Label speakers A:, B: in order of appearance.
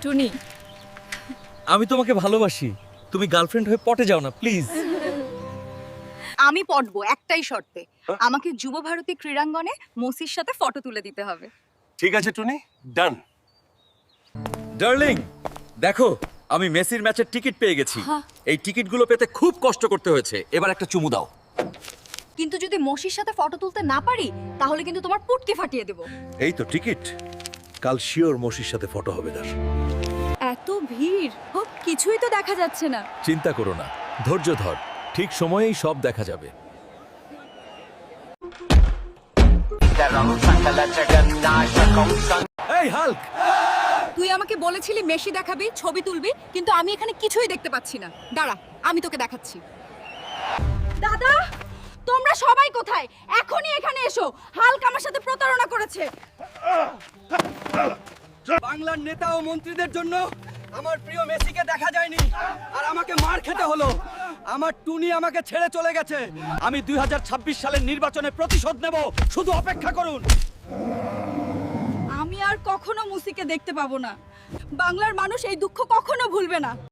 A: টুনি,
B: আমি তোমাকে ভালোবাসি, তুমি গার্লফ্রেন্ড হয়ে পটে যাও না প্লিজ।
A: আমি পড়বো একটাই শর্তে, আমাকে যুব ভারতী ক্রীড়াঙ্গনে মসির সাথে ফটো তুলে দিতে হবে।
C: ঠিক আছে টুনি, ডান।
B: ডার্লিং, দেখো আমি মেসির ম্যাচের টিকিট পেয়ে গেছি। এই টিকিটগুলো পেতে খুব কষ্ট করতে হয়েছে, এবার একটা চুমু দাও।
A: কিন্তু যদি মসির সাথে ফটো তুলতে না পারি তাহলে কিন্তু তোমার পুটকি ফাটিয়ে দেব।
C: এই তো টিকিট, কাল শিওর মসির সাথে ফটো হবে তার।
A: এত ভিড়, কিছুই তো দেখা যাচ্ছে না।
D: চিন্তা করো না, ধৈর্য ধর, ঠিক সময়েই সব দেখা যাবে।
B: এই হাল্ক,
A: তুই আমাকে বলেছিলি মেসি দেখাবি, ছবি তুলবি, কিন্তু আমি এখানে কিছুই দেখতে পাচ্ছি না। দাঁড়া, আমি তোকে দেখাচ্ছি। দাদা, তোমরা সবাই কোথায়? এখনই এখানে এসো, হাল্ক আমার সাথে প্রতারণা করেছে।
E: বাংলার নেতা ও মন্ত্রীদের জন্য আমার প্রিয় মেসিকে দেখা যায়নি আর আমাকে মার খেতে হলো। আমার টুনি আমাকে ছেড়ে চলে গেছে। আমি 2026 সালের নির্বাচনে প্রতিশোধ নেব, শুধু অপেক্ষা করুন।
A: আমি আর কখনো মুসিকে দেখতে পাবো না। বাংলার মানুষ এই দুঃখ কখনো ভুলবে না।